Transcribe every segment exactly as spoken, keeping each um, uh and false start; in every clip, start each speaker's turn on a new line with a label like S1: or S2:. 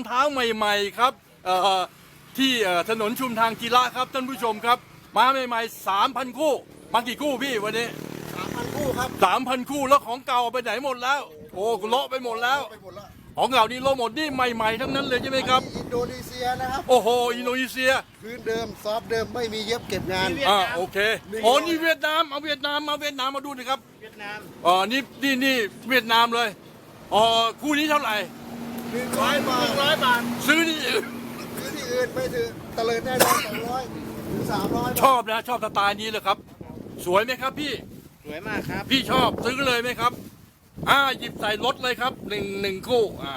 S1: เท้าใหม่ๆครับเอ่อที่ถนนชุมทางกีฬาครับท่านผู้ชมครับมาใหม่ๆสามพันคู่มากี่คู่พี่วันนี้
S2: สามพันคู่ครับ
S1: สามพันคู่แล้วของเก่าไปไหนหมดแล้วโอ้เลาะไปหมดแล้วของเก่านี่เลาะหมดนี่ใหม่ๆทั้งนั้นเลยใช่ไหมครับ
S2: อินโดนีเซียนะครับ
S1: โอ้โหอินโดนีเซีย
S2: พื้นเดิมซอฟเดิมไม่มีเย็บเก็บงาน
S1: อ่าโอเคโอ้นี่เวียดนามเอาเวียดนามมาเวียดนามมาดูหน่อยครับ
S3: เวียดนาม
S1: อ๋อนี่นี่นี่เวียดนามเลยอ๋อคู่นี้เท่าไหร่
S2: หนึ่งร้อยบาท
S3: ร้อยบาท
S1: ซื้อที่อื่น
S2: ซื้อที่อื่นไม่ถือตะเลิดแน่นอนสองร้อยถึงสามร้อย
S1: ชอบนะชอบสไตล์นี้เลยครับสวยไหมครับพี่
S3: สวยมากครับ
S1: พี่ชอบซื้อเลยไหมครับอ่าหยิบใส่รถเลยครับหนึ่งหนึ่งคู่อ่า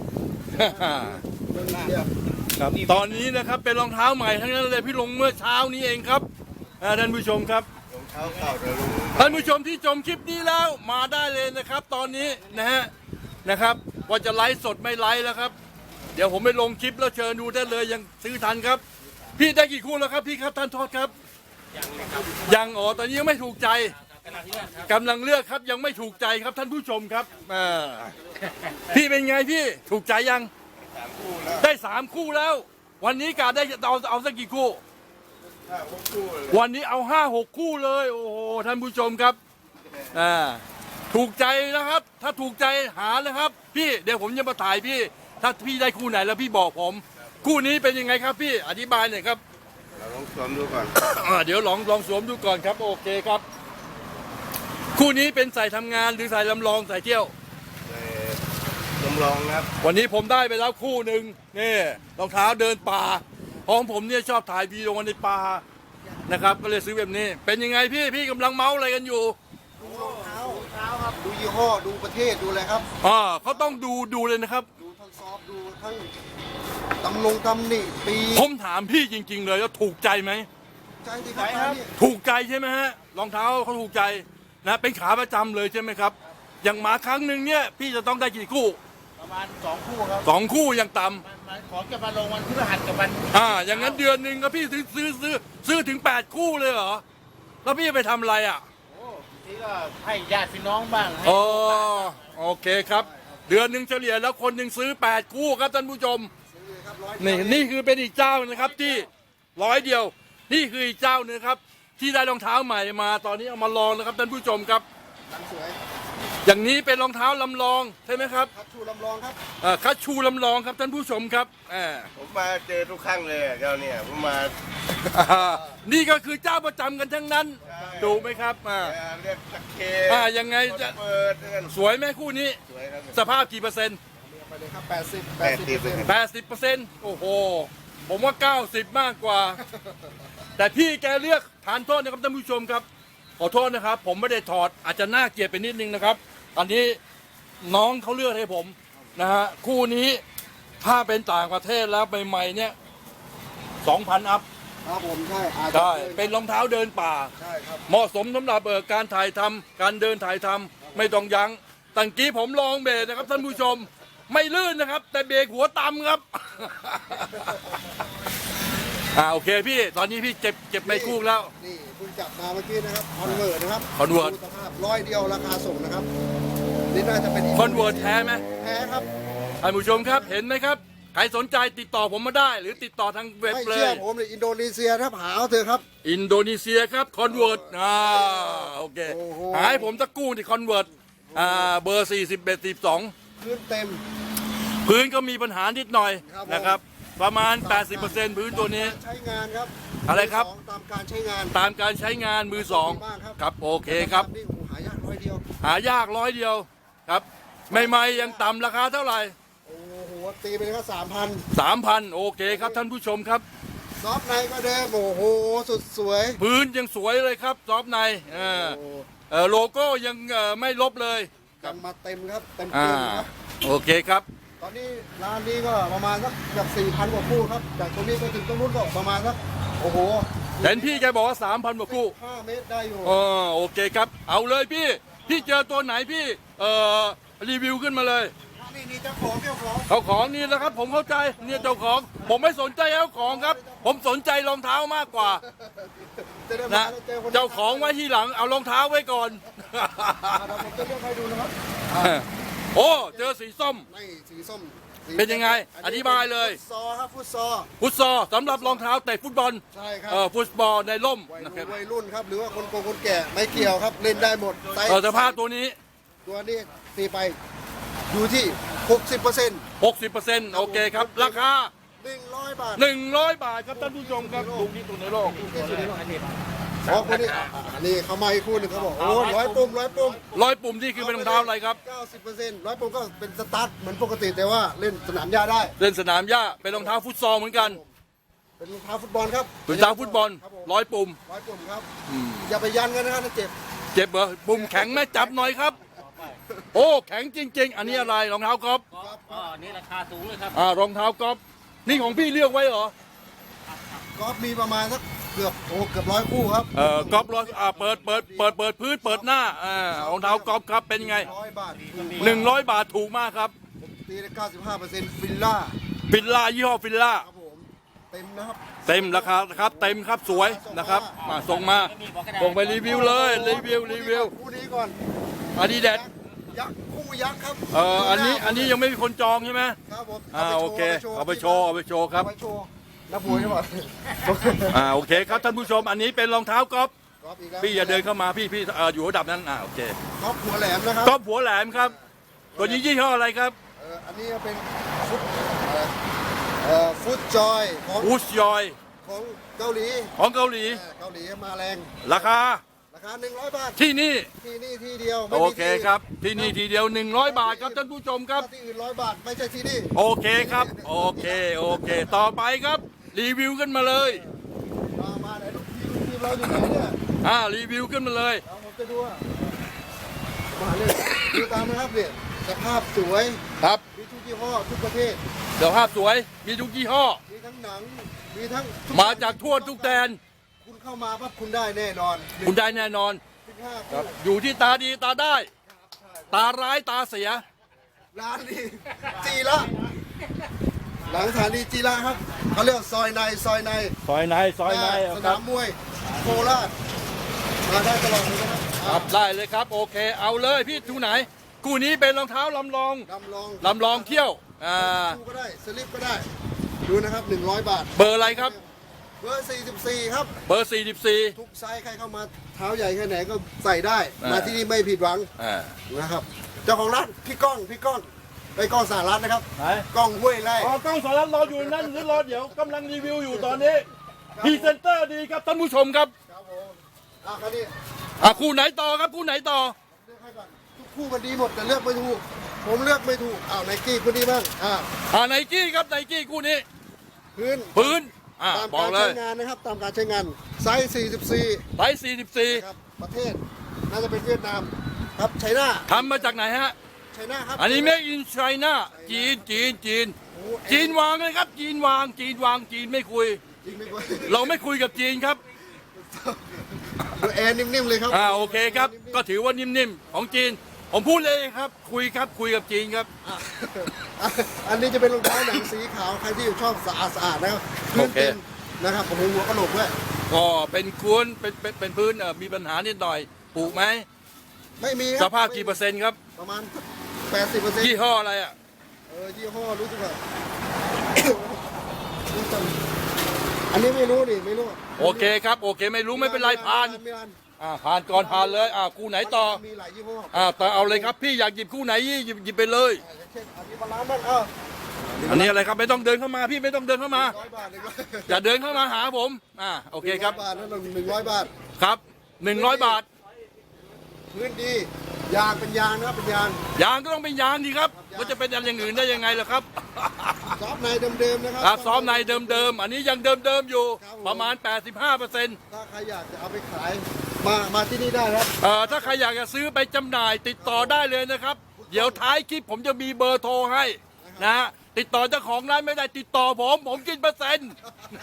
S1: ครับตอนนี้นะครับเป็นรองเท้าใหม่ทั้งนั้นเลยพี่ลงเมื่อเช้านี้เองครับท่านผู้ชมครับ
S2: รองเท้าเก่าเดี๋ยวลง
S1: ท่านผู้ชมที่ชมคลิปนี้แล้วมาได้เลยนะครับ ตอนนี้นะฮะนะครับว่าจะไลฟ์สดไม่ไลฟ์แล้วครับเดี๋ยวผมไปลงคลิปแล้วเชิญดูได้เลยยังซื้อทันครับพี่ได้กี่คู่แล้วครับพี่ครับท่านโทษครับยังครับยังอ๋อตอนนี้ยังไม่ถูกใจกำลังเลือกครับยังไม่ถูกใจครับท่านผู้ชมครับพี่เป็นไงพี่ถูกใจยังได้สามคู่แล้ววันนี้กาได้เอาเอาสักกี่คู่วันนี้เอาห้าหกคู่เลยโอ้โหท่านผู้ชมครับอ่าถูกใจนะครับถ้าถูกใจหาเลยครับพี่เดี๋ยวผมจะมาถ่ายพี่ถ้าพี่ได้คู่ไหนแล้วพี่บอกผมคู่นี้เป็นยังไงครับพี่อธิบายหน่อยครับ
S2: เราลองสวมดูก่อน
S1: เดี๋ยวลองลองสวมดูก่อนครับโอเคครับคู่นี้เป็นใส่ทำงานหรือใส่ลำลองใส่เที่ยว
S2: ลำลองครับ
S1: วันนี้ผมได้ไปแล้วคู่หนึ่งนี่รองเท้าเดินป่าของผมเนี่ยชอบถ่ายวีดีโอในป่านะครับก็เลยซื้อแบบนี้เป็นยังไงพี่พี่กำลังเมาส์อะไรกันอยู่
S2: ดูรองเท้ารองเท้าครับดูยี่ห้อดูประเทศดูอะไรครับ
S1: อ่าเขาต้องดูดูเลยนะครับ
S2: ดูทั้งซอฟดูทั้งตำลงตำหนิปี
S1: ผมถามพี่จริงๆเลยว่าถูกใจไหม
S2: ใจดีครับ
S1: ถูกใจใช่ไหมฮะรองเท้าเขาถูกใจนะเป็นขาประจำเลยใช่ไหมครับอย่างมาครั้งหนึ่งเนี่ยพี่จะต้องได้กี่คู่
S3: ประมาณสองคู่ครับ
S1: สองคู่ยังต่
S3: ำของจะมาลงวันพฤหัสกับวัน
S1: อ่าอย่างนั้นเดือนหนึ่งก็พี่ซื้อซื้อซื้อซื้อถึงแปดคู่เลยเหรอแล้วพี่ไปทำอะไรอ่ะ
S3: โอ้ทีก็ให้ญาติพี่น้องบ้าง
S1: อ๋อโอเคครับเดือนหนึ่งเฉลี่ยแล้วคนหนึ่งซื้อแปดคู่ครับท่านผู้ชมนี่นี่คือเป็นอีกเจ้านะครับที่ร้อยเดียวนี่คืออีกเจ้านึงครับที่ได้รองเท้าใหม่มาตอนนี้เอามาลองนะครับท่านผู้ชมครับ
S2: สวย
S1: อย่างนี้เป็นรองเท้าลำลองใช่ไหมครับ
S2: คัชชูลำลองครับ
S1: อ่าคัชชูลำลองครับท่านผู้ชมครับอ่า
S2: ผมมาเจอทุกครั้งเลยเจ้าเนี่ยผมมา
S1: นี่ก็คือเจ้าประจำกันทั้งนั้นดูไหมครับอ่า
S2: เรียกตะเค
S1: อ่ายังไงจะสวยไหมคู่นี้
S2: สวยครับ
S1: สภาพกี่เปอร์เซ็นต์
S2: ไปเลยครับแปดสิบแปดสิบเปอร์เซ็นต์
S1: แปดสิบเปอร์เซ็นต์โอ้โหผมว่าเก้าสิบมากกว่าแต่พี่แกเลือกทานโทษนะครับท่านผู้ชมครับขอโทษนะครับผมไม่ได้ถอดอาจจะน่าเกลียดไปนิดนึงนะครับอันนี้น้องเขาเลือกให้ผมนะฮะคู่นี้ถ้าเป็นต่างประเทศแล้วใหม่ๆเนี่ยสองพันอัพ
S2: ครับผมใช่
S1: ใช่เป็นรองเท้าเดินป่า
S2: ใช่ครับ
S1: เหมาะสมสำหรับเอ่อการถ่ายทำการเดินถ่ายทำไม่ต้องยั้งตั้งกี้ผมลองเบรกนะครับท่านผู้ชมไม่ลื่นนะครับแต่เบรกหัวต่ำครับอ่าโอเคพี่ตอนนี้พี่เจ็บเจ็บไม่คู่แล้ว
S2: นี่คุณจับมาเมื่อกี้นะครับคอนเวิร์ตนะครับ
S1: คอนเวิร์ต
S2: สภาพร้อยเดียวราคาส่งนะครับนี่น่าจะเป็น
S1: คอนเวิร์ตแท้ไหม
S2: แท้ครับ
S1: ท่านผู้ชมครับเห็นไหมครับใครสนใจติดต่อผมมาได้หรือติดต่อทางเว็บเลย
S2: ไม่เชื่อผมเลยอินโดนีเซียถ้าหาเอาเถอะครับ
S1: อินโดนีเซียครับคอนเวิร์ตอ่าโอเคหาให้ผมตะกู้ที่คอนเวิร์ตอ่าเบอร์สี่สิบเอ็ดสิบสอง
S2: พื้นเต็ม
S1: พื้นก็มีปัญหานิดหน่อยนะครับประมาณ แปดสิบเปอร์เซ็นต์ พื้นตัวนี้
S2: ใช้งานครับ
S1: อะไรครับ
S2: ตามการใช้งาน
S1: ตามการใช้งานมือสองครับโอเคครับ
S2: หายากร้อยเดียว
S1: หายากร้อยเดียวครับใหม่ๆยังต่ำราคาเท่าไหร่
S2: โอ้โหตีไปเลยครับสามพัน
S1: สามพันโอเคครับท่านผู้ชมครับ
S2: ซอฟในก็เดิมโอ้โหสุดสวย
S1: พื้นยังสวยเลยครับซอฟในเออเออโลโก้ยังไม่ลบเลย
S2: กันมาเต็มครับเต็มเต็มครับ
S1: โอเคครับ
S2: ตอนนี้ร้านนี้ก็ประมาณสักจากสี่พันกว่าคู่ครับจากตรงนี้ไปถึงตรงนู้นก็ประมาณสักโอ้โห
S1: เห็นพี่แกบอกว่าสามพันกว่าคู่
S2: ห้าเมตรได้อยู่
S1: อ๋อโอเคครับเอาเลยพี่พี่เจอตัวไหนพี่เอ่อรีวิวขึ้นมาเลย
S2: นี่นี่เจ้าของเจ้าของ
S1: เขาของนี่นะครับผมเข้าใจเนี่ยเจ้าของผมไม่สนใจเจ้าของครับผมสนใจรองเท้ามากกว่านะเจ้าของไว้ที่หลังเอารองเท้าไว้ก่อน
S2: ผมจะเลือกให้ดูนะครับ
S1: โอ้เจอสีส้ม
S2: ไม่สีส้ม
S1: เป็นยังไงอธิบายเลย
S2: ฟุตซอลครับฟุตซอล
S1: ฟุตซอลสำหรับรองเท้าเตะฟุตบอล
S2: ใช่ครั
S1: เออฟุตบอลในร่ม
S2: วัย
S1: นะค
S2: รุ่
S1: รับ
S2: นวัยรุ่นครับหรือว่าคนโกงคนแก่ไม่เกี่ยวครับเล่นได้หมดไซส์
S1: เออสภาพตัวนี้
S2: ตัวนี้ตีไปอยู่ที่ หกสิบเปอร์เซ็นต์
S1: หกสิบเปอร์เซ็นต์โอเคครับ ราคา
S2: หนึ่งร้อยบาท
S1: หนึ่งร้อยบาทครับท่านผู้ชมครับถูกที่สุดในโลก
S2: อ๋อคนนี้อ่ะอันนี้เขามาอีกคู่หนึงเขาบอกโอ้ร้อยปุ่มร้อยปุ่ม
S1: ร้อยปุ่มที่คือเป็นรองเท้าอะไรครับ
S2: เก้าสิบเปอร์เซ็นต์ร้อยปุ่มก็เป็นสตาร์ทเหมือนปกติแต่ว่าเล่นสนามหญ้าได้
S1: เล่นสนามหญ้าเป็นรองเท้าฟุตซอลเหมือนกัน
S2: เป็นรองเท้าฟุตบอลครับ
S1: เป็นรองเท้าฟุตบอล
S2: ครับผม
S1: ร้อยปุ่ม
S2: ร้อยปุ่มครับอย่าไปยันกันนะครับถ้าเจ็บ
S1: เจ็บเหรอปุ่มแข็งไหมจับหน่อยครับ โอ้แข็งจริง ๆ อันนี้อะไรรองเท้ากอล์ฟ
S3: ก็นี่ราคาสูงเลยครับ
S1: อ่ารองเท้ากอล์ฟนี่ของพี่เลือกไว้เหรอ
S2: ก็มีประมาณสักเกือบโอ้เกือบร้อยคู่ครับ
S1: เออกอล์ฟร้อยอ่าเปิดเปิดเปิดเปิดพื้นเปิดหน้าอ่ารองเท้ากอล์ฟครับเป็นไง
S2: ร้อยบาท
S1: หนึ่งร้อยบาทถูกมากครับ
S2: ตีได้เก้าสิบห้าเปอร์เซ็นต์ฟิลล่า
S1: ฟิลล่ายี่ห้อฟิลล่า
S2: ครับผมเต็มนะครับ
S1: เต็มราคาครับเต็มครับสวยนะครับมาส่งมาส่งไปรีวิวเลยรีวิวรีวิว
S2: คู่นี้ก่อน
S1: อาดิดาส
S2: ยักษ์คู่ยักษ์ครับ
S1: เอออันนี้อันนี้ยังไม่มีคนจองใช่ไหม
S2: ครับผม
S1: อ่าโอเคเอาไปโชว์เอาไปโชว์ครับ
S2: เอาไปโชว์นักมวยใช่ป่ะ
S1: อ่าโอเคครับท่านผู้ชมอันนี้เป็นรองเท้ากอล์ฟ
S2: ก๊อฟอีกแล้ว
S1: พี่อย่าเดินเข้ามาพี่พี่เอ่ออยู่ระดับนั้นอ่าโอเค
S2: ก๊อฟหัวแหลมนะครับ
S1: กอล์ฟหัวแหลมครับตัวนี้ยี่ห้ออะไรครับ
S2: เอออันนี้เป็นฟุตเอ่อเอ่อฟุตจอยของ
S1: อูชยอย
S2: ของเกาหลี
S1: ของเกาหลี
S2: เออเกาหลีมาแรง
S1: ราคา
S2: ราคาหนึ่งร้อยบาท
S1: ที่นี่
S2: ที่นี่ที่เดียวไม่
S1: โอ
S2: มี
S1: เค
S2: ที่
S1: ครับที่นี่ทีเดียวหนึ่งร้อยบาทครับท่านผู้ชมครับ
S2: ถ้าที่อื่นร้อยบาทไม่ใช่ที่นี่
S1: โอเคครับโอเคโอเค ต่อไปครับ รีวิวกันมาเลย
S2: มามาไหนลูกทีมทีมเราอยู่ไหนเนี่ย
S1: อ่ารีวิวกันมาเลย
S2: เราผมจะดูอ่ะมาเลยดูตามนะครับเนี่ยสภาพสวย
S1: ครับ
S2: มีทุกยี่ห้อทุกประเภท
S1: เดี๋ยวภาพสวยมีทุกยี่ห้อ
S2: มีทั้งหนังมีทั้งทุ
S1: มาจากทั่วทุกแดน
S2: คุณเข้ามาปั๊บคุณได้แน่นอน
S1: คุณได้แน่นอน
S2: สิบห้า
S1: ครั
S2: คู่
S1: บอยู่ที่ตาดีตาได้ ตาร้ายตาเสีย
S2: ร้านนี้จีละหลังสถานีจีละครับเขาเรียกซอยในซอยใน
S1: ซอยในซอยใน
S2: ส
S1: ครั
S2: นา
S1: บ
S2: มมวยโคราชมาได้ตลอดเลยนะครับ
S1: ครับได้เลยครับโอเคเอาเลยพี่ทูไหนคู่นี้เป็นรองเท้าลำลอง
S2: ลำลอง
S1: ลำลองเที่ยวอ่า
S2: คู่ก็ได้สลิปก็ได้ ดูนะครับหนึ่งร้อยบาท
S1: เบอร์อะไรครับ
S2: เบอร์สี่สิบสี่ครับ
S1: เบอร์สี่สิบสี่
S2: ทุกไซส์ใครเข้ามาเท้าใหญ่แค่ไหนก็ใส่ได้
S1: อ่าม
S2: มาที่นี่ไม่ผิดหวัง
S1: อ่า
S2: นะครับ เจ้าของร้านพี่ก้องพี่ก้องไปก้องสารัตนะครับ
S1: ไหน
S2: ก้องห้วยไร่
S1: อ๋อกล้องสารรออยู่นั่นหรือรอเดี๋ยวกำลังรีวิวอยู่ตอนนี้พรีเซนเตอร์ดีครับท่านผู้ชมครับ
S2: ครับผมอ่ะคราวนี้
S1: อ่ะคู่ไหนต่อครับคู่ไหนต่อ
S2: เลือกให้ก่อนทุกคู่มันดีหมดแต่เลือกไม่ถูก ผมเลือกไม่ถูกอ้าวไนกี้คู่นี้บ้างอ่า
S1: อ่าไนกี้ครับไนกี้คู่นี้
S2: พื้น
S1: พื้นอ่า
S2: ตาม
S1: บอก
S2: การ
S1: เล
S2: ใช้
S1: ย
S2: งานนะครับตามการใช้งานไซส์สี่สิบสี่
S1: ไซส์สี่สิบสี่
S2: นะครับประเทศน่าจะเป็นเวียดนามครับไชน่า
S1: ทำมาจากไหนฮะ
S2: ไชน่าครับ
S1: อันนี้ made in China จีนจีนจีน
S2: โอ้
S1: จีนวางเลยครับ จีนวางจีนวางจีนไม่คุย
S2: จริงไม่กลัว
S1: เราไม่คุยกับจีนครับ
S2: ดูแอร์นิ่มๆเลยครับ
S1: อ่าโอเคครับ ก็ถือว่านิ่มๆของจีน ผมพูดเลยครับ คุยครับคุยกับจีนครับ
S2: อ่ะอันนี้จะเป็นรองเท้าหนังสีขาวใครที่ชอบสะอาดสะอาดนะครับพื้น
S1: โอเค
S2: เต็มนะครับผมหัวกระโหลกด้วย
S1: ก็เป็นควนเป็นเป็นเป็นพื้นเอ่อมีปัญหานิดหน่อยปลูกไหม
S2: ไม่มีค
S1: ส
S2: รับ
S1: ภาพกี่เปอร์เซ็นต์ครับ
S2: ประมาณแปดสิบเปอร์เซ็นต์
S1: ยี่ห้ออะไรอ่ะ
S2: เออยี่ห้อรู้สึกว่า อันนี้ไม่รู้ดิไม่รู้
S1: โอเคครับโอเคไม่รู้ไม่เป็นไรผ่าน
S2: ไม่ผ่าน
S1: อ่าผ่านก่อนผ่านเลยอ่าคู่ไหนต่อ
S2: มีหลายยี่ห้อ
S1: อ่าต่อเอาเลยครับพี่อยากหยิบคู่ไหนหยิบหยิบไปเลย
S2: อย่างเช่นอันนี้บาลานซ์บ้างเออ
S1: อันนี้อะไรครับไม่ต้องเดินเข้ามาพี่ไม่ต้องเดินเข้ามา
S2: ร้อยบาทหนึ่งร้อย
S1: อย่าเดินเข้ามาหาผมอ่าโอเคครับ
S2: บาทนั่นหนึ่งร้อยบาท
S1: ครับหนึ่งร้อยบาท
S2: พื้นดี ยางเป็นยางนะครับเป็นยาง
S1: ยางก็ต้องเป็นยางดีครับมันจะเป็นอะไรอย่างอื่นได้ยังไงล่ะครับ
S2: ซอฟต์ในเดิมๆนะครั
S1: ครับซ้อมในเดิมๆอันนี้ยังเดิมๆอยู่ประมาณ แปดสิบห้าเปอร์เซ็นต์
S2: ถ้าใครอยากจะเอาไปขาย มามาที่นี่ได้ครับ
S1: เอ่อถ้าใครอยากจะซื้อไปจำหน่ายติดต่อได้เลยนะครับ เดี๋ยวท้ายคลิปผมจะมีเบอร์โทรให้นะฮะติดต่อเจ้าของร้านไม่ได้ติดต่อผมผมกินเปอร์เซ็นต์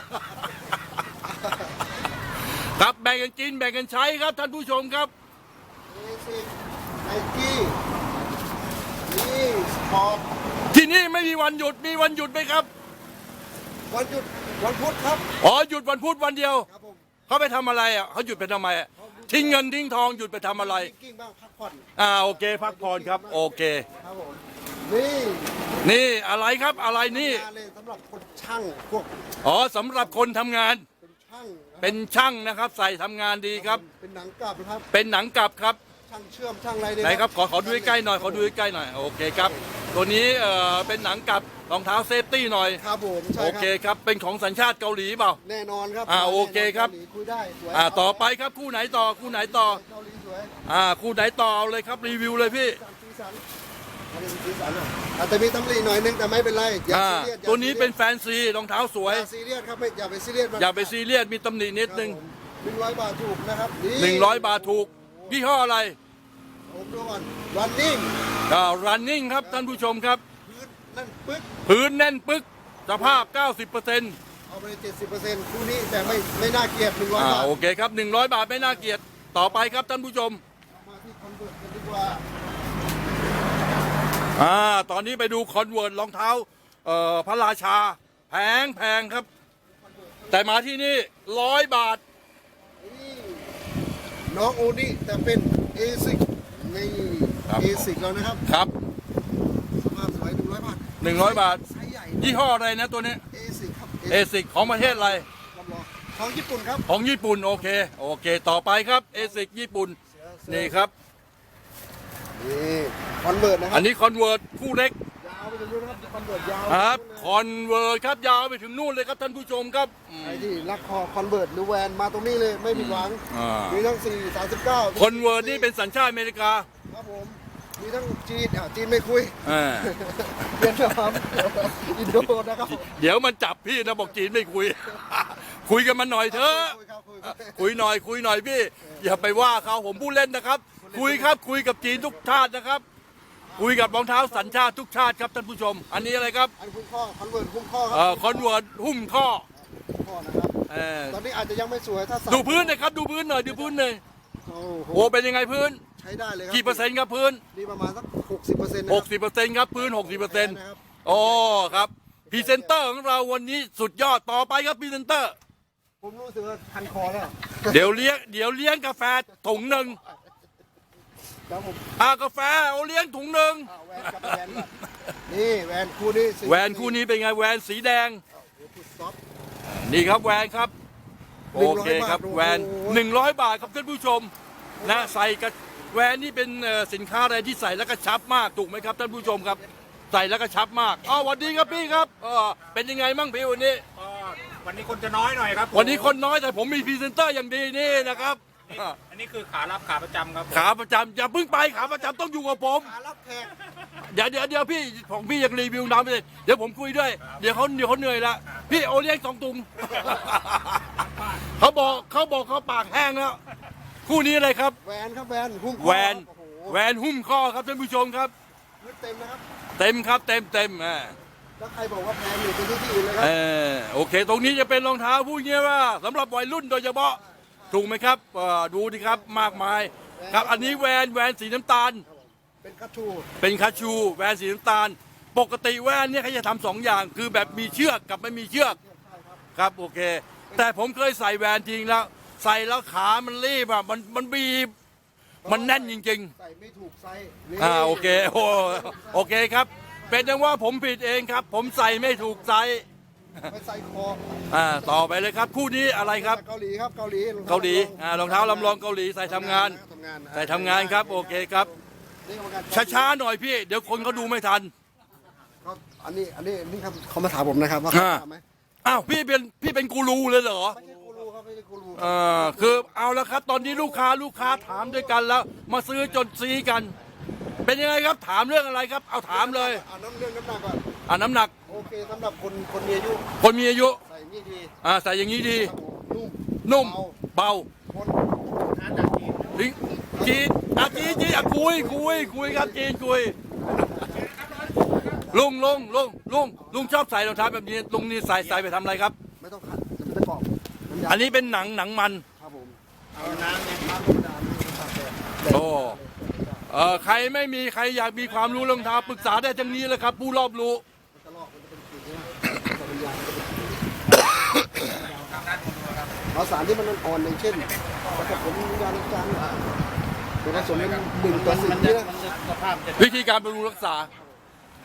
S1: ครับแบ่งกันกินแบ่งกันใช้ครับท่านผู้ชมครับ
S2: เอซิไนกี้นี่สปอร์ต
S1: ที่นี่ไม่มีวันหยุดมีวันหยุดไหมครับ
S2: วันหยุดวันพุธครับ
S1: อ๋อหยุดวันพุธวันเดียว
S2: ครับผม
S1: เขาไปทำอะไรอ่ะเขาหยุดไปทำไมอ่ะทิ้งเงินทิ้งทองหยุดไปทำอะไร
S2: กิ้งบ้างพักผ่อน
S1: อ่าโอเคพักผ่อนครับโอเค
S2: ครับผมนี่
S1: นี่อะไรครับอะไรนี่
S2: งานเลยสำหรับคนช่างพวก
S1: อ๋อสำหรับคนทำงาน
S2: เป็นช่างนะครับ
S1: เป็นช่างนะครับ ใส่ทำงานดีครับ
S2: เป็นหนังกลับนะครับ
S1: เป็นหนังกลับครับ
S2: ช่างเชื่อมช่างอะไรเนี่ย
S1: ไหนครับขอขอดูใกล้ๆหน่อยขอดูใกล้ๆหน่อยโอเคครับตัวนี้เอ่อเป็นหนังกลับรองเท้าเซฟตี้หน่อย
S2: ครับผมใช่
S1: โอ
S2: ค
S1: เครับ ครับเป็นของสัญชาติเกาหลีเปล่า
S2: แน่นอนครับ
S1: อ่าโอเคครับ
S2: กาหลีคุยได้สวย
S1: อ่าต่อไปครับคู่ไหนต่อคู่ไหนต่อ
S2: เกาหลีสวย
S1: อ่าคู่ไหนต่อเอาเลยครับรีวิวเลยพี่
S2: สีสันอันนี้สีสันอ่ะอาจจะมีตำหนิหน่อยนึงแต่ไม่เป็นไรอย่า
S1: อ่า
S2: ซีเรียสอย่า
S1: ตัวนี้เป็น
S2: ซี
S1: แฟนซีรองเท้าส
S2: เรี
S1: วย
S2: ยสอย่าซีเรียสครับไม่อย่าไปซีเรียสมัน
S1: อย่าไปซีเรียสมีตำหนินิดนึง
S2: หนึ่งร้อยบาทถูกนะครับ
S1: หนึ่งร้อยบาทถูกยี่ห้ออะไร
S2: ผมดูก่อน running
S1: อ่า running ครับท่านผู้ชมครับ
S2: พื้นนั่นปึ๊ก
S1: พื้นแน่นปึ๊กสภาพ เก้าสิบเปอร์เซ็นต์
S2: เอาไปเจ็ดสิบเปอร์เซ็นต์คู่นี้แต่ไม่ไม่น่าเกลียดหนึ่งร้อย
S1: อ่า
S2: บาท
S1: โอเคครับหนึ่งร้อยบาทไม่น่าเกลียดต่อไปครับท่านผู้ชม
S2: มาที่คอนเวิร์ตกันดีกว่า
S1: อ่าตอนนี้ไปดูคอนเวิร์ตรองเท้าเอ่อพระราชาแพงแพงครับ แต่มาที่นี่ร้อยบาท
S2: นี่น้องโอนี่แต่เป็นเอซิกนี่
S1: ครับ
S2: เอซิกแล้วนะครับ
S1: ครับ
S2: สภาพสวยหนึ่งร้อยบาท
S1: หนึ่งร้อยบาท
S2: ไซส์ใหญ่
S1: ยี่ห้ออะไรนะตัวนี้
S2: เอซิกครับ
S1: เอซิกของประเทศอะไร
S2: รับรองของญี่ปุ่นครับ
S1: ของญี่ปุ่นโอเคโอเค ต่อไปครับเอซิกญี่ปุ่นนี่ครับ
S2: นี่คอนเวิร์ตนะครั
S1: อันนี้คอนเวิร์ตคู่เล็ก
S2: ยาวไปถึงนู่นนะครับคอนเวิร์ตยาว
S1: ครับ
S2: ไป
S1: คอนเวิร์ตครับยาวไปถึงนู่นเลยครับท่านผู้ชมครับอืม
S2: ใครที่รักคอคอนเวิร์ตหรือแวนมาตรงนี้เลยไม่ผิดหวัง
S1: อ่ามี
S2: มีทั้งสี่สามสิบเก้า
S1: คอนเวิร์ตนี่เป็นสัญชาติอเมริกา
S2: ครับผมมีทั้งจีนอ่ะจีนไม่คุย
S1: อ่า
S2: เวียดนามอินโดนะครับ
S1: เดี๋ยวมันจับพี่นะบอกจีนไม่คุย คุยกันมาหน่อยเถอะ
S2: คุยครับคุยครับ
S1: คุยหน่อยคุยหน่อยพี่ อย่าไปว่าเขาผมพูดเล่นนะครับ คุยครับคุยกับจีนทุกชาตินะครับ คุยกับรองเท้าสัญชาติทุกชาติครับท่านผู้ชม อันนี้อะไรครับ
S2: อันคุ้มข้อคอนเวิร์ตคุ้มข้อครั
S1: เอ่อคอนเวิร์ตหุ้มข้อ
S2: คุ้มข้อนะครับ
S1: เออ
S2: ตอนนี้อาจจะยังไม่สวยถ้าใส่
S1: ดูพื้นหนะครับดูพื้นหน่อยดูพื้นหน่อย
S2: โอ้โห
S1: โอ้เป็นยังไงพื้น
S2: ใช้ได้เลยครับ
S1: กี่เปอร์เซ็นต์ครับพื้น
S2: นี่ประมาณสักหกสิบเปอร์เซ็นต์
S1: หกสิบเปอร์เซ็นต์ครับพื้นหกสิบเปอร์เซ็นต์
S2: นะครับ
S1: โอ้ครับพรีเซนเตอร์ของเราวันนี้สุดยอดต่อไปครับพรีเซนเตอร์
S2: ผมรู้สึกว่าคันคอแล้ว
S1: เดี๋ยวเลี้ยงเดี๋ยวเลี้ยงกาแฟถุงหนึ่ง
S2: แล้วผม
S1: อ่ากาแฟเอาเลี้ยงถุงหนึ่ง
S2: อ่าแวนกับแวนก่อนนี่แวนคู่นี้สิ
S1: แหวนคู่นี้เป็นไงแหวนสีแดง
S2: โอ้โหสุดซอฟต์
S1: นี่ครับแหวนครับ โอเคครับ
S2: หนึ่งร้อยบาท
S1: แหวน
S2: โอ้โห
S1: หนึ่งร้อยบาทครับท่านผู้ชมนะใส่กับแหวนนี่เป็นเอ่อสินค้าอะไรที่ใส่แล้วก็ชับมากถูกไหมครับท่านผู้ชมครับ ใส่แล้วก็ชับมากอ๋อสวัสดีครับพี่ครับเออเป็นยังไงมั่งพี่วันนี้
S3: ก็วันนี้คนจะน้อยหน่อยครับ
S1: วันนี้คนน้อยแต่ผมมีพรีเซนเตอร์อย่างดีนี่นะครับ
S3: นี่อันนี้คือขารับขาประจำครับผม
S1: ขาประจำอย่าเพิ่งไปขาประจำต้องอยู่กับผม
S2: ขารับแขก
S1: เดี๋ยวเดี๋ยวเดี๋ยวพี่ของพี่ยังรีวิวน้ำไปเลยเดี๋ยวผมคุยด้วย เดี๋ยวเขาเดี๋ยวเขาเหนื่อยละพี่โอเลี้ยงสองตุง เขาบอกเขาบอกเขาปากแห้งแล้วคู่นี้อะไรครับ
S2: แวนครับแวนหุ้มข้อ
S1: แหวน
S2: โอ้โห
S1: แหวนหุ้มข้อครับท่านผู้ชมครับ
S2: พื้นเต็มนะครับ
S1: เต็มครับเต็มเต็มอ่า
S2: แล้วใครบอกว่าแพงอยู่เป็นที่ที่อื่นเลยครั
S1: เอบ อโอเค ตรงนี้จะเป็นรองเท้าผู้เงี้ยว่าสำหรับวัยรุ่นโดยเฉพาะถูกไหมครับเอ่อดูดิครับมากมายครับอันนี้แหวนแหวนสีน้ำตาล
S2: เป็นคัตชู
S1: เป็นคาชูแหวนสีน้ำตาล ปกติแหวนเนี่ยเขาจะทำสองอย่าง คือแบบมีเชือกกับไม่มีเชือกครับโอเค แต่ผมเคยใส่แหวนจริงแล้ว ใส่แล้วขามันรีบอ่ะมันมันบีบ มันแน่นจริง
S2: ใส่ไม่ถูกไซส์นี่
S1: ๆอ่าโอเคโอ้โอเคครับ เป็นจังว่าผมผิดเองครับ ผมใส่ไม่ถูกไซส์
S2: ไปใส่คอ
S1: อ่าต่อไปเลยครับคู่นี้อะไรครับ
S2: เกาหลีครับเกาหลี
S1: เกาหลีอ่ารองเท้าลำลองเกาหลีใส่ทำงาน
S2: ทำงาน
S1: ใส่ทำงานครับโอเคครับ
S2: นี่กรรมการ
S1: ช้าๆหน่อยพี่ เดี๋ยวคนเขาดูไม่ทัน
S2: เขาอันนี้อันนี้นี่ครับเขามาถามผมนะครับว่า
S1: อ่า
S2: ถามไหม
S1: อ้าวพี่เป็นพี่เป็นกูรูเลยเหรอ
S2: ไม่ใช่กูรูครับไม่ใช่กูรู
S1: เออคือเอาแล้วครับ ตอนนี้ลูกค้าลูกค้าถามด้วยกันแล้ว มาซื้อจนซีกัน เป็นยังไงครับถามเรื่องอะไรครับ เอาถามเลย
S2: เอาน้ำเรื่องน้ำหนักก่อน
S1: อ่าน้ำหนัก
S2: โอเคสำหรับคนคนมีอายุ
S1: คนมีอายุ
S2: ใส่นี่ดี
S1: อ่าใส่อย่างนี้ดี
S2: ครับผมนุ่ม
S1: นุ่ม เบา
S2: คน
S1: ลิงจีนอ่ะจีนจีนอ่ะคุยคุยคุยครับจีนคุยลุงลุงลุงลุงลุงชอบใส่รองเท้าแบบนี้ลุงนี่ใส่ใส่ไปทำอะไรครับ
S2: ไม่ต้องขัดจะไม่ต้องกรอบน้ำยา
S1: อันนี้เป็นหนังหนังมัน
S2: ครับผม
S3: เอาน้ำเนี่ย
S2: น้ำธรรมดาไม่ต้องขัดแดด
S1: โอ้เออใครไม่มีใครอยากมีความรู้รองเท้าปรึกษาได้ทั้งนี้เลยครับ ผู้รอบรู้
S2: มันจะลอกมันจะเป็นกลิ่นใช่ไหมแต่เป็นยางมันจะเป็นกลิ่นเอาสารที่มันอ่อนๆอย่างเช่นผสมยาล้างจานเนี่ยเป็นผสมเป็นหนึ่งต่อสิบ
S3: มัน
S2: เนี่
S3: จะ
S2: ย
S3: มันจะสภาพจะ
S1: วิธีการบำรุงรักษา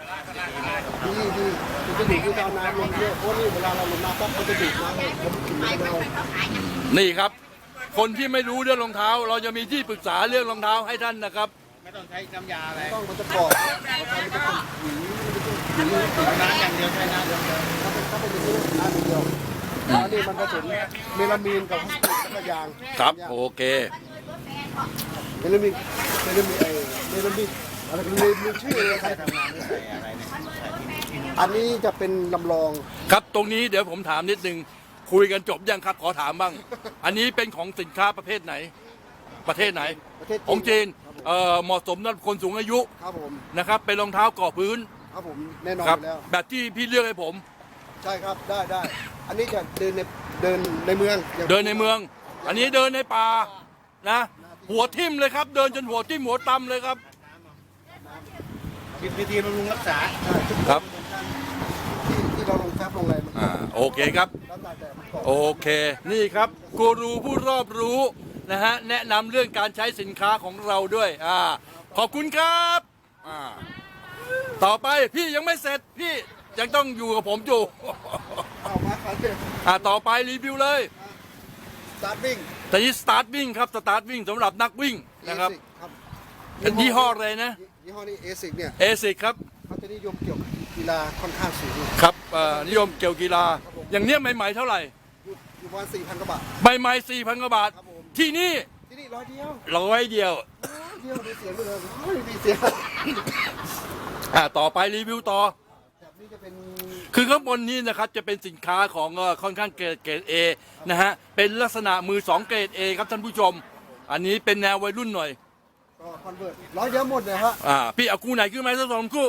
S2: ดีดีมันจะดูดที่เอาน้ำลงเยอะเพราะนี่เวลาเราลงน้ำปั๊บมันจะดูดน้ำแล้วมันกินไม่ได้
S1: นี่ครับ คนที่ไม่รู้เรื่องรองเท้า เราจะมีที่ปรึกษาเรื่องรองเท้าให้ท่านนะครับ
S3: ไม่ต้องใช้น้ำยาอะไร
S2: ต้องมันจะกรอบมันจะเป็นหวีมันจะเป็นหวี
S3: น้ำอย่างเดียวใช้น้ำอย่างเดียว
S2: ถ้าเป็นถ้าเป็นอย่างนี้น้ำเดียวอันนี้มันผสมเมลามีนกับพลาสติกแล้วก็ยาง
S1: ครับโอเค
S2: เมลามีนเมลามีนไอเมลามีนอะไรเป็นลืมลืมชื่อเลยครับ
S3: ทำงานไม่ใส่อะไรเนี่ย
S2: อันนี้จะเป็นลำลอง
S1: ครับตรงนี้เดี๋ยวผมถามนิดนึงคุยกันจบยังครับขอถามบ้าง อันนี้เป็นของสินค้าประเภทไหน ประเทศไหน
S2: ประเทศ
S1: ของจีน
S2: ครับผม
S1: เอ่อเหมาะสมสำหรับคนสูงอายุ
S2: ครับผม
S1: นะครับเป็นรองเท้าก่อพื้น
S2: ครับผมแน่นอน
S1: ครับ
S2: อยู่แล้ว
S1: แบบที่พี่เลือกให้ผม
S2: ใช่ครับได้ได้อันนี้จะเดินในเดินในเมืองอย่าง
S1: เดินในเมือง อันนี้เดินในป่านะหัวทิ่มเลยครับ เดินจนหัวทิ่มหัวตำเลยครับ
S3: คิดวิธีบำรุงรักษา
S1: ครับ
S2: ที่ที่เราลงแฟบลงอะไรมัน
S1: อ่าโอเคครับ
S2: แล้วแต่แต่มันกรอบ
S1: โอเค นี่ครับกูรูผู้รอบรู้นะฮะแนะนำเรื่องการใช้สินค้าของเราด้วยอ่าขอบคุณครับอ่าต่อไปพี่ยังไม่เสร็จพี่ยังต้องอยู่กับผมอยู่
S2: เอามาครับเนี่ย
S1: อ่าต่อไปรีวิวเลย
S2: สตาร์ทวิ่ง
S1: แต่นี้สตาร์ทวิ่งครับสตาร์ทวิ่งสำหรับนักวิ่งนะครับ
S2: ครับ
S1: เป็นยี่ห้ออะไรนะ
S2: ยี่ห้อนี้เอซิกเนี่ย
S1: เอซิกครับ
S2: เขาจะนิยมเกี่ยวกับกีฬาค่อนข้างสูงอยู่
S1: ครับเอ่อนิยมเกี่ยวกีฬา อย่างเนี้ยใหม่ๆเท่าไหร่
S2: อยู่ประมาณสี่พันกว่าบาท
S1: ใหม่ๆสี่พันกว่าบาท
S2: ครับผม
S1: ที่นี่
S2: ที่นี่ร้อยเดียว
S1: ร้อยเดียว
S2: เดียวมีเสียงด้วยเลยไม่มีเสียง
S1: อ่าต่อไปรีวิวต่อ
S2: แบบนี้จะเป็น
S1: คือข้างบนนี้นะครับจะเป็นสินค้าของเอ่อค่อนข้างเกรดเกรดเอนะฮะเป็นลักษณะมือสองเกรดเอครับท่านผู้ชม อันนี้เป็นแนววัยรุ่นหน่อย
S2: ก็คอนเวิร์ตร้อยเดียวหมดเลยฮะ
S1: อ่าพี่เอาคู่ไหนขึ้นมาสักสองคู่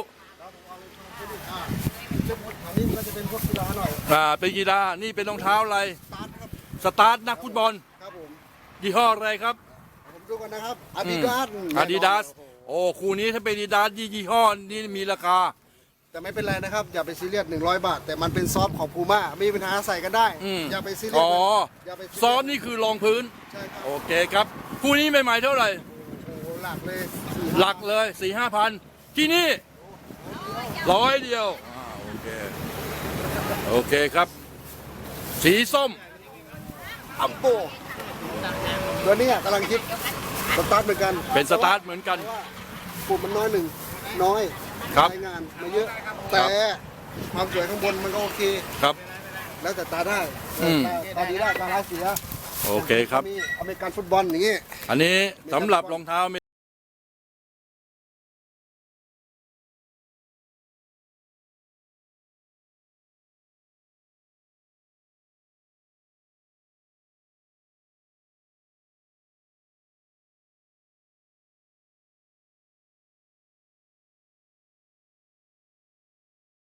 S2: อันนี้มันก็จะเป็นพวกกีฬาหน่อย
S1: อ่าเป็นกีฬานี่เป็นรองเท้าอะไร
S2: สตาร์ทครับ
S1: สตาร์ทนักฟุตบอล
S2: ครับผม
S1: ยี่ห้ออะไรครับ
S2: ผมดูกันนะครับอาดิดาส
S1: อาดิดาสโอ้คู่นี้ถ้าเป็นอาดิดาสยี่ห้อนี้มีราคา
S2: แต่ไม่เป็นไรนะครับ อย่าไปซีเรียสหนึ่งร้อยบาท แต่มันเป็นซอฟต์ของพูม่ามีปัญหาใส่กันได้
S1: อืม
S2: อย่าไปซีเรียส
S1: อ๋อ
S2: อย่าไปซีเรียส
S1: ซ้อมนี่คือรองพื้น
S2: ใช่ครับ
S1: โอเคครับคู่นี้ใหม่ๆเท่าไหร่
S2: โอ้โหหลักเลย
S1: หลักเลยสี่ห้าพันที่นี่ร้อยเดียวอ่าโอเคโอเคครับ สีส้ม
S2: อัมโบตัวเนี้กำลังคิดสตาร์ทเหมือนกัน
S1: เป็นสตาร์ทเหมือนกัน
S2: เพราะว่าปุ่มมันน้อยหนึ่งน้อย
S1: ครับ
S2: ใช้งานมาเยอะ แต่ความสวยข้างบนมันก็โอเค
S1: ครับ
S2: แล้วแต่ตาได้
S1: อืม
S2: ตาตาดีได้ตาร้ายเสีย
S1: โอเคครับ
S2: มีอเมริกันฟุตบอลอย่างงี้
S1: อันนี้สำหรับรองเท้า